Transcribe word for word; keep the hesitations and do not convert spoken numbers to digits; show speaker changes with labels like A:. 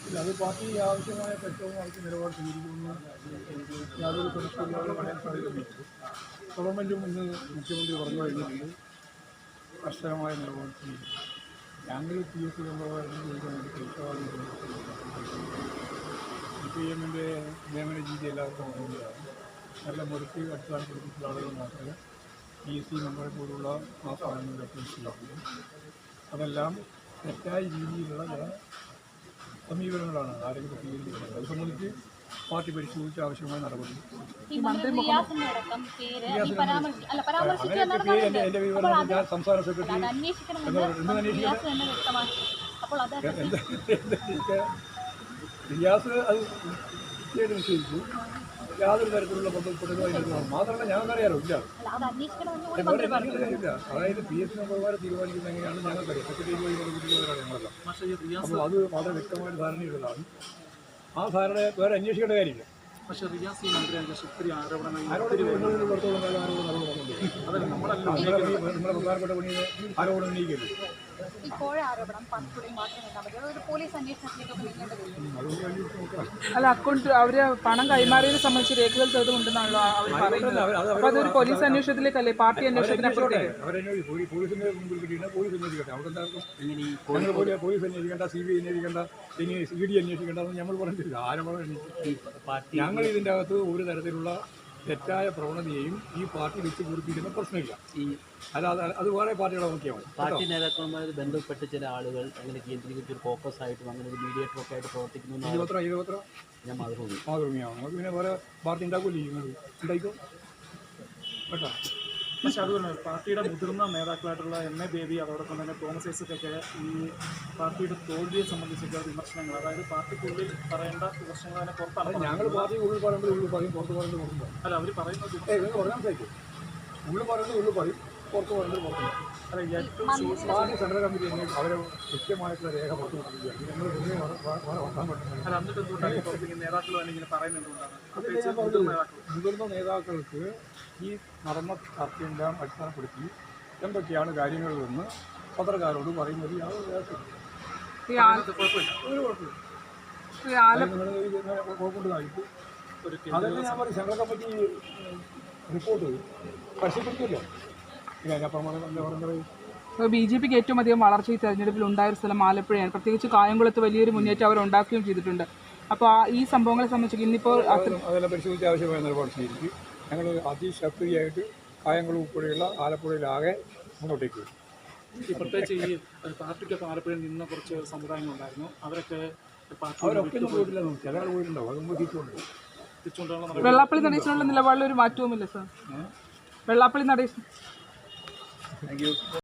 A: അത് പാർട്ടി ആവശ്യമായ പ്രക്ഷോഭം നടത്തി നിലപാട് സ്വീകരിക്കുമെന്ന് യാതൊരു സംശയമില്ലാതെ പറയാൻ സാധിക്കുന്നില്ല. ഗവൺമെൻറ്റും ഇന്ന് മുഖ്യമന്ത്രി പറഞ്ഞു കഴിഞ്ഞിട്ടുണ്ട് കർശനമായ നിലപാട് സ്വീകരിക്കും. ഞങ്ങൾ പി എസ് സി കൊണ്ടുപോകാൻ ചോദിക്കാൻ വേണ്ടി പരിശോധന സി പി എമ്മിൻ്റെ നിയമന രീതി എല്ലാവർക്കും അറിയുന്നതാണ്. നല്ല മുറിച്ച് അടിസ്ഥാനപ്പെടുത്തിയിട്ടുള്ള ആളുകൾ മാത്രമേ പി എസ് സി മെമ്പറെ പോലുള്ള ആ സ്ഥാനങ്ങളിലൊക്കെ ചെയ്യാറുള്ളൂ. അതെല്ലാം തെറ്റായ രീതിയിലുള്ള ചില സമീപനങ്ങളാണ് ആരെങ്കിലും സ്വീകരിക്കുന്നത്. അത് സംബന്ധിച്ച് പാർട്ടി പരിശോധിച്ച് ആവശ്യമായ നടപടി.
B: എൻ്റെ
A: വിവരം ഞാൻ സംസ്ഥാന സെക്രട്ടറി റിയാസ് അത് കൃത്യമായിട്ട് നിശ്ചയിച്ചു. യാതൊരു തരത്തിലുള്ള പൊതുവായി മാത്രമല്ല ഞങ്ങൾക്കറിയാലോ ഇല്ല ഇല്ല അതായത് പി എസ് സി മെമ്പർമാരെ തീരുമാനിക്കുന്നത് എങ്ങനെയാണ് ഞങ്ങൾക്കറിയാം. സെക്രട്ടറി വഴി കൊടുക്കുന്നവരാണ് ഞങ്ങളെല്ലാം. അപ്പോൾ അത് വളരെ വ്യക്തമായിട്ട് ധാരണയുള്ളതാണ്. ആ ധാരണ വേറെ അന്വേഷിക്കേണ്ട കാര്യമില്ല.
C: പക്ഷേ റിയാസ് ഈ മന്ത്രിയുടെ ഒത്തിരി ആരോപണങ്ങൾ
A: പുറത്തോളം കാലം ആരോപണം നടന്നുകൊണ്ടുണ്ട്. നമ്മളെ പ്രധാനപ്പെട്ട പണിയെ ആരോപണം ഉന്നയിക്കരുത്.
D: അല്ല അക്കൗണ്ട് അവര് പണം കൈമാറിയതിനെ സംബന്ധിച്ച് രേഖകൾ തെളിവുണ്ടെന്നാണല്ലോ അവർ പറയുന്നത്. അപ്പൊ അതൊരു പോലീസ് അന്വേഷണത്തിലേക്കല്ലേ പാർട്ടി അന്വേഷണത്തിനപ്പുറത്തേക്ക്
A: പോലീസിന്റെ മുമ്പിൽ കിട്ടിയിട്ട് പോലീസ് അന്വേഷിക്കട്ടെ. അവിടെ എന്തായാലും പോലീസ് അന്വേഷിക്കേണ്ട, സി ബി ഐ അന്വേഷിക്കേണ്ട, ഇനി സി ഡി അന്വേഷിക്കേണ്ട നമ്മൾ പറഞ്ഞിട്ടില്ല. ആരോപണം ഞങ്ങൾ ഇതിൻ്റെ അകത്ത് ഒരു തരത്തിലുള്ള തെറ്റായ പ്രവണതയെയും ഈ പാർട്ടി വെച്ച് പൂർത്തിക്കുന്ന പ്രശ്നമില്ല. അല്ലാതെ അത് വേറെ പാർട്ടികളെ നോക്കിയാൽ
E: പാർട്ടി നേതാക്കളുമായി ബന്ധപ്പെട്ട് ചില ആളുകൾ അങ്ങനെ കേന്ദ്രീകരിച്ച് ഒരു ഫോക്കസ് ആയിട്ടും അങ്ങനെ ഒരു മീഡിയേറ്റർ ഒക്കെ ആയിട്ട് പ്രവർത്തിക്കുന്നു.
A: ഇരുപത്ര ഇരുപത്ര
E: ഞാൻ മാതൃഭൂമി
A: മാതൃഭൂമിയാണ്. നമുക്ക് പിന്നെ വേറെ പാർട്ടി ഉണ്ടാക്കില്ലേ ചെയ്യുന്നത് ഉണ്ടായിക്കോ കേട്ടോ.
C: പക്ഷേ അതുപോലെ പാർട്ടിയുടെ മുതിർന്ന നേതാക്കളായിട്ടുള്ള എം എ ബേബി അതോടൊപ്പം തന്നെ തോമസ് ഐസക്കൊക്കെ ഈ പാർട്ടിയുടെ തോൽവിയെ സംബന്ധിച്ചൊക്കെ വിമർശനങ്ങൾ, അതായത് പാർട്ടിക്കുള്ളിൽ പറയേണ്ട വിമർശനങ്ങൾ തന്നെ പുറത്താണ്.
A: ഞങ്ങൾ പാർട്ടി ഉള്ളിൽ പറയുമ്പോൾ ഉള്ളിൽ പറയും, പുറത്ത് പറയുന്നത് പുറത്ത് പറയും.
C: അല്ല അവർ പറയുന്നത്
A: പറയാൻ സാധിക്കും. ഉള്ളിൽ പറയുന്നത് ഉള്ളിൽ പറയും, പുറത്ത് പറയുന്നത് പുറത്ത് പറയും.
C: അല്ല ഏറ്റവും
A: പാർട്ടി സെൻട്രൽ കമ്മിറ്റി തന്നെ അവരെ കൃത്യമായിട്ടുള്ള രേഖ പുറത്തു കൊടുക്കുകയാണ്. ഞങ്ങൾ വലിയ വർത്താൻ പറ്റുന്നത്.
C: അല്ല എന്നിട്ട് എന്തുകൊണ്ടാണ് പുറത്തേക്ക് നേതാക്കൾ തന്നെ ഇങ്ങനെ പറയുന്നത് എന്തുകൊണ്ടാണ്?
A: മുതിർന്ന നേതാക്കൾക്ക് ഈ നടന്ന ചർച്ചയെല്ലാം അടിസ്ഥാനപ്പെടുത്തി എന്തൊക്കെയാണ് കാര്യങ്ങളെന്ന് പത്രക്കാരോട് പറയുന്നത് യാതൊരു കുഴപ്പമുണ്ടായിട്ട് അതൊക്കെ ഞാൻ പറയും. സെൻട്രൽ കമ്മിറ്റി റിപ്പോർട്ട് പരിശീലിപ്പിക്കുമല്ലോ.
D: ബി ജെ പിക്ക് ഏറ്റവും അധികം വളർച്ച ഈ തെരഞ്ഞെടുപ്പിൽ ഉണ്ടായ ഒരു സ്ഥലം ആലപ്പുഴയാണ്. പ്രത്യേകിച്ച് കായംകുളത്ത് വലിയൊരു മുന്നേറ്റം അവർ ഉണ്ടാക്കുകയും ചെയ്തിട്ടുണ്ട്. അപ്പോൾ ഈ സംഭവങ്ങളെ സംബന്ധിച്ച് ഇന്നിപ്പോൾ
A: അതെല്ലാം പരിശോധിച്ച് ആവശ്യമായ നിലപാട് സ്വീകരിക്കും. ഞങ്ങൾ അതിശക്തിയായിട്ട് കായംകുളം ഉൾപ്പെടെയുള്ള ആലപ്പുഴയിലാകെ മുന്നോട്ടേക്ക് വരും.
C: ഈ പ്രത്യേകിച്ച് ഈ പാർട്ടിക്കൊക്കെ ആലപ്പുഴയിൽ നിന്ന കുറച്ച് സമുദായങ്ങളുണ്ടായിരുന്നു. അവരൊക്കെ
A: അവരൊക്കെ പോയിട്ടില്ല. ചില ആൾ പോയിട്ടുണ്ടാവും. അത് നമ്മൾ തിരിച്ചുകൊണ്ട്
C: തിരിച്ചുകൊണ്ടുള്ള
D: വെള്ളാപ്പള്ളി നടേശനുള്ള നിലപാടിൽ ഒരു മാറ്റവുമില്ല സാർ. വെള്ളാപ്പള്ളി നടേശൻ